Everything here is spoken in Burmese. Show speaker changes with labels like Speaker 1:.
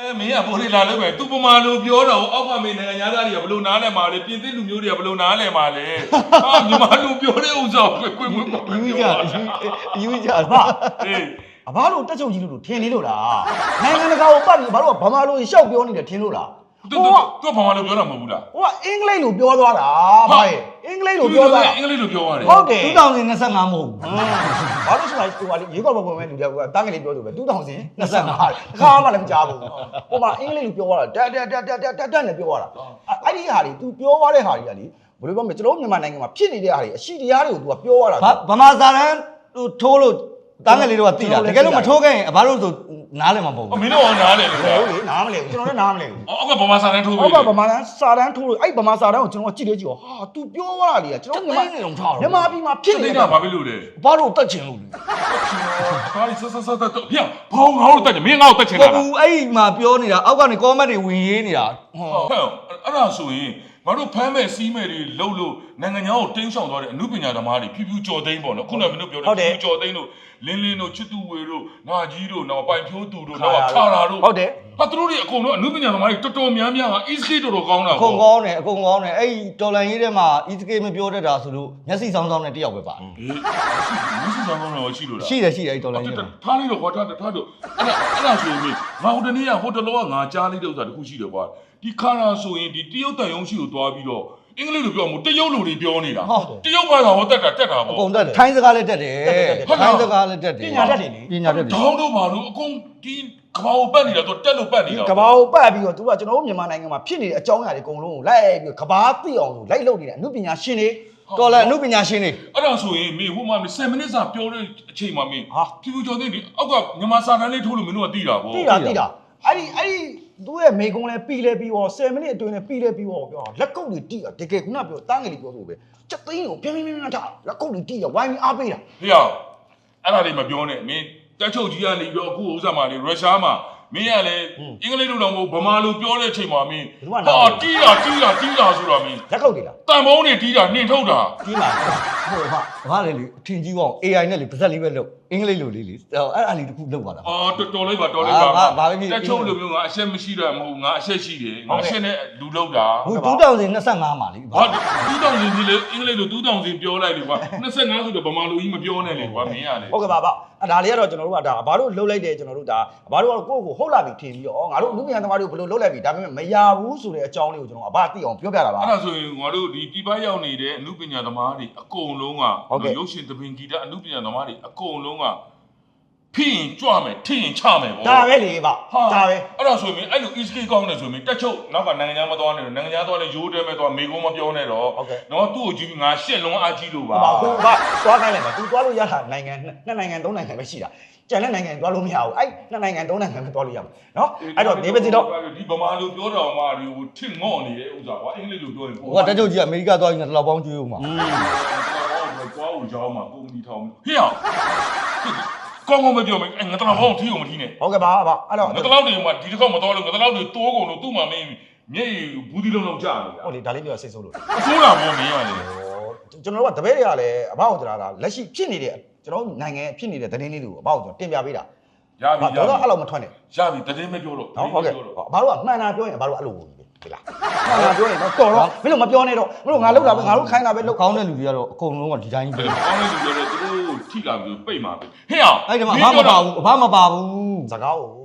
Speaker 1: မင်းကပိုလေးလာလို့ပဲသူပမာလိုပြောတော့အောက်ကမင်းနိုင်ငံသားတွေကဘလို့နားလဲမှာလဲပြင်သစ်လူမျိုးတွေကဘလို့နားလဲမှာလဲဟာမြန်မာလူပြောတဲ့ဥစ္စာကိုကိုယ်
Speaker 2: ယူကြအေးအဘတို့တက်ချုပ်ကြီးလို့ထင်နေလို့လားနိုင်ငံတကာကိုပတ်ပြီးဘာလို့ဗမာလိုရှောက်ပြောနေတယ်ထင်လို့လား
Speaker 1: သူဗမာလိုပြောတာမဟုတ်ဘူးလား
Speaker 2: ဟိုကအင်္ဂလိပ်လိုပြောသွားတာဗျာအင်္ဂလိပ်လိုပြောသွားတာ
Speaker 1: အင်္ဂလိပ်လိုပြောရတယ်
Speaker 2: ဟုတ်တယ်2025မဟုတ်ဘူးဘာလို့ဆိုလိုက်ဟိုကလေရေကောက်ပေါ်မဲ့လူတွေကတန်းကလေးပြောလို့ပဲ2025ခါမှလည်းမကြားဘူးဟိုမှာအင်္ဂလိပ်လိုပြောသွားတာတက်နဲ့ပြောသွားတာအဲ့ဒီဟာတွေ तू ပြောသွားတဲ့ဟာတွေကလေဘယ်လိုပြောမလဲကျွန်တော်မြန်မာနိုင်ငံမှာဖြစ်နေတဲ့ဟာတွေအရှိတရားတွေကို तू ကပြောသွားတာဗမာစာတန်းထိုးလို့တန်းကလေးတော့သိတာတကယ်လို့မထိုးခဲ့ရင်ဘာလို့ဆိုနားလည်းမပေါ့ဘူး
Speaker 1: မင်းတို့ကနားလည်း
Speaker 2: ဟုတ်လေနားမလဲဘူးကျွန်တော်လည်းနားမလဲဘူး
Speaker 1: အောက်ကဗမာစာတန်းထိုးပြီ
Speaker 2: အောက်ကဗမာစာတန်းထိုးလို့အဲ့ဗမာစာတန်းကိုကျွန်တော်ကြည့်လေကြည့်ဟာ तू ပြောသွားတာလေကျွန်တော်မြန်မာပြည်မှာဖြစ်နေတာ
Speaker 1: ဘာဖြစ်လို့လဲ
Speaker 2: ဘာလို့တက်ချင်လို့လဲ
Speaker 1: ဟာဒီဆက်တော့ပြန်ဘောင်းငါ့ကိုတက်ချင်မင်းငါ့ကိုတက်ချင်တာ
Speaker 2: လားဘူးအဲ့မှာပြောနေတာအောက်ကနေ comment တွေဝင်ရေးနေတာ
Speaker 1: ဟုတ်အဲ့ဒါဆိုရင်ငါတို့ဖမ်းမဲ့စီးမဲ့တွေလှုပ်လို့နိုင်ငံခြားကိုတင်းရှောင်သွားတဲ့အမှုပညာသမားတွေဖြူဖြူကြော်သိန်းပေါ့နော်ခုနကမင်းတို့ပြောတယ်ဖြူကြော်သိန်းတို့လင်းတို့ချစ်သူဝေတို့နာကြီးတို့နောက်ပိုင်ဖြိုးသူတို့နောက်ခါရာတို့
Speaker 2: ဟုတ်တယ်
Speaker 1: ဟာသူတို့တွေအကုန်လုံးအမှုပညာသမားတွေတော်တော်များများက ESK တော်တော်ကောင်းတာ
Speaker 2: ပေါ့အကုန်ကောင်းတယ်အဲ့တော်လန်ရေးထဲမှာ ESK မပြောတတ်တာဆိုလို့မျက်စိဆောင်းနဲ့တယောက်ပဲပါတယ်
Speaker 1: မျက်စိဆောင်းတော့ရှိလို့လား
Speaker 2: ရှိတယ်အဲ့တော်လန်ရေး
Speaker 1: ထားလိုက်တော့ခွာထားတော့အဲ့ဒါဆိုရင်ငါဟိုတနေ့ကဟိုတလောကငါကြားလိုက်တဲ့ဥစ္စာတခုရှိတယ်ကွာဒီခါရာဆိုရင်ဒီတရုတ်တန်ယုံရှိကိုသွားပြီးတော့အင်္ဂလိပ်လိုပြောမှုတရုတ်လိုတွေပြောနေတာတရုတ်ဘာသာဟောတက်တာပေါ့
Speaker 2: အကုန်တက်တယ်ထိုင်းစကားလည်းတက်တယ်ထိုင်းစကားလည်းတက်တယ်ပညာတတ်တယ်လေ
Speaker 1: ပညာတတ်တယ်တောင်းတော့ဘာလို့အကုန်ဒီကဘာကိုပတ်နေတာသူတက်လို့ပတ်နေတာ
Speaker 2: ကဘာကိုပတ်ပြီးတော့သူကကျွန်တော်တို့မြန်မာနိုင်ငံမှာဖြစ်နေတဲ့အကြောင်းအရာတွေအကုန်လုံးကိုလိုက်ပြီးကဘာသိအောင်လို့လိုက်လုပ်နေတဲ့အမှုပညာရှင်တွေတော်လည်းအမှုပညာရှင်တွေ
Speaker 1: အဲ့ဒါဆိုရင်မင်းဟိုမှာ10မိနစ်စာပြောတဲ့အချိန်မှာမင်းဖြူဖြူကျော်သိတယ်အောက်ကမြန်မာစာတန်းလေးထိုးလို့မင်းတို့ကသိတာပေါ့
Speaker 2: သိတာအဲ့သူ့ရဲ့မိကုံးလဲပြီးလဲပြီးတော့10မိနစ်အတွင်းနဲ့ပြီးလဲပြီးတော့ပြောလက်ကုပ်တွေတိတာတကယ်ခုနပြောတန်းငယ်လေးပြောဆိုပဲချက်သိန်းကိုပြင်းထားလက်ကုပ်တွေတိရဝိုင်းပြီးအားပေးတာ
Speaker 1: ဟေ့အောင်အဲ့ဒါလေးမပြောနဲ့မင်းတက်ချုပ်ကြီးကနေပြီးတော့အခုဥစ္စာမှာလေရုရှားမှာမင်းကလည်းအင်္ဂလိပ်လိုတော့မဟုတ်ဗမာလိုပြောတဲ့အချိန်မှာမင်းဟာတီးတာဆိုတာမင်း
Speaker 2: လက်ကုပ်တွေလား
Speaker 1: တန်ဖုံးတွေတီးတာနှင်ထုတ်တာ
Speaker 2: တီးပါဟိုဘာလေအထင်ကြီးအောင် AI နဲ့လေပါဇက်လေးပဲလုပ်အင်္ဂလိပ်လိုလေးလေအဲ့လေးတစ်ခုလုပ်ပါလား
Speaker 1: တော်လိုက်ပါတက်ချုပ်လိုမျိုးငါအရှက်မရှိတော့မဟုတ်ငါအရှက်ရှိတယ်ငါအရှက်နဲ့လူလောက်တာ
Speaker 2: ဟို2025မှာလေ
Speaker 1: ဟာ2000ကြီးလေအင်္ဂလိပ်လို2000ပြောလိုက်လေကွာ25ဆိုတော့ဗမာလိုကြီးမပြောနဲ့လေကွာမင်းရလေ
Speaker 2: ဟုတ်ကဲ့ပါဒါလေးကတော့ကျွန်တော်တို့ကဒါဘာလို့လှုပ်လိုက်တယ်ကျွန်တော်တို့ဒါဘာလို့ကိုယ့်ကိုဟုတ်လာပြီထင်ပြီးတော့ငါတို့လူမြန်သမားတွေကိုဘယ်လိုလှုပ်လိုက်ပြီဒါပေမဲ့မရဘူးဆိုတဲ့အကြောင်းလေးကိုကျွန်တော်အဘသိအောင်ပြောပြတာပါ
Speaker 1: အဲ့ဒါဆိုရင်ငါတို့ဒီပြည်ပရောက်နေတဲ့အမှုပညာသမားတွေအကုန်လုံးကရုပ်ရှင်သဘင်ဂီတအမှုပညာသမားတွေအကုန်လုံးကဖိရင်ကြွမယ်ထိရင်ချမယ်ပေါ့
Speaker 2: ဒါပဲလေဗျဒါပဲ
Speaker 1: အဲ့ဒါဆိုရင်အဲ့လို ESK ကောင်းတယ်ဆိုရင်တက်ချုပ်နောက်ကနိုင်ငံခြားမသွားနဲ့တော့နိုင်ငံခြားသွားလဲရိုးတဲမဲ့သွားမေကုန်းမပြောနဲ့တော့နော်သူ့ကိုကြည့်ပြီးငါရှက်လုံးအားကြီးလို့ပါ
Speaker 2: ဟုတ်ပါသွားခိုင်းလိုက်ပါ तू သွားလို့ရတာနိုင်ငံ2နိုင်ငံ3နိုင်ငံပဲရှိတာကျန်တဲ့နိုင်ငံသွားလို့မရဘူးအဲ့2နိုင်ငံ3နိုင်ငံပဲသွားလို့ရမှာနော်အဲ့တော့ဒီပဲစီတော့
Speaker 1: ဒီဗမာလိုပြောတော်မှာဒီဟိုထင့်ငေါ့နေတဲ့ဥစ္စာကွာအင်္ဂလိပ်လိုပြောရင်
Speaker 2: ဟိုကတက်ချုပ်ကြီးအမေရိကသွားရင်တော့ပေါင်းကျွေးဦးမှာ
Speaker 1: ကွာကိုကြောင်းမှာကုမ္ပဏီထောင်ဟေ့အောင်ကောင်းမပြောမယ်ငါတလောက်ဘောင်းထီးကိုမထီးနဲ့
Speaker 2: ဟုတ်ကဲ့ပါအဲ့တော့
Speaker 1: ငါတလောက်တွေမှာဒီတစ်ခေါက်မတော်လို့ငါတလောက်တွေတိုးကုန်လို့သူ့မှာမင်းမျက်ရည်ဘူးဒီလုံးကြာနေတာ
Speaker 2: ဟုတ်လေဒါလေးပြောစိတ်ဆိုးလို့
Speaker 1: ဆိုးတာပေါ့မင်းရတယ်
Speaker 2: ကျွန်တော်တို့ကတပည့်တွေကလည်းအဘောက်ကြတာလက်ရှိဖြစ်နေတဲ့ကျွန်တော်နိုင်ငံဖြစ်နေတဲ့သတင်းလေးတွေကိုအဘောက်ကျွန်တော်တင်ပြပေးတာ
Speaker 1: ရပြီ
Speaker 2: တော့အဲ့လိုမထွက်နဲ့
Speaker 1: ရပြီသတင်းမပြောတော့
Speaker 2: ဟုတ်ကဲ့ဘာလို့ကမှန်တာပြောရင်ဘာလို့အဲ့လိုဟုတ်ပြီလားမှန်တာပြောရင်တော့တော်တော့မင်းတို့မပြောနဲ့တော့မင်းတို့ငါလောက်တာပဲငါတို့ခိုင်းတာပဲလောက်ကောင်းတဲ့လူတွေကတော့အကုန်လုံးကဒီတိုင်းပဲ
Speaker 1: ကောင်းတဲ့လူတွေကတော့သူတို့ထိလာပြီးပိတ်မှာပဲဟဲ့အောင်
Speaker 2: အဲ့ဒီမှာအဘမပါဘူးစကားကို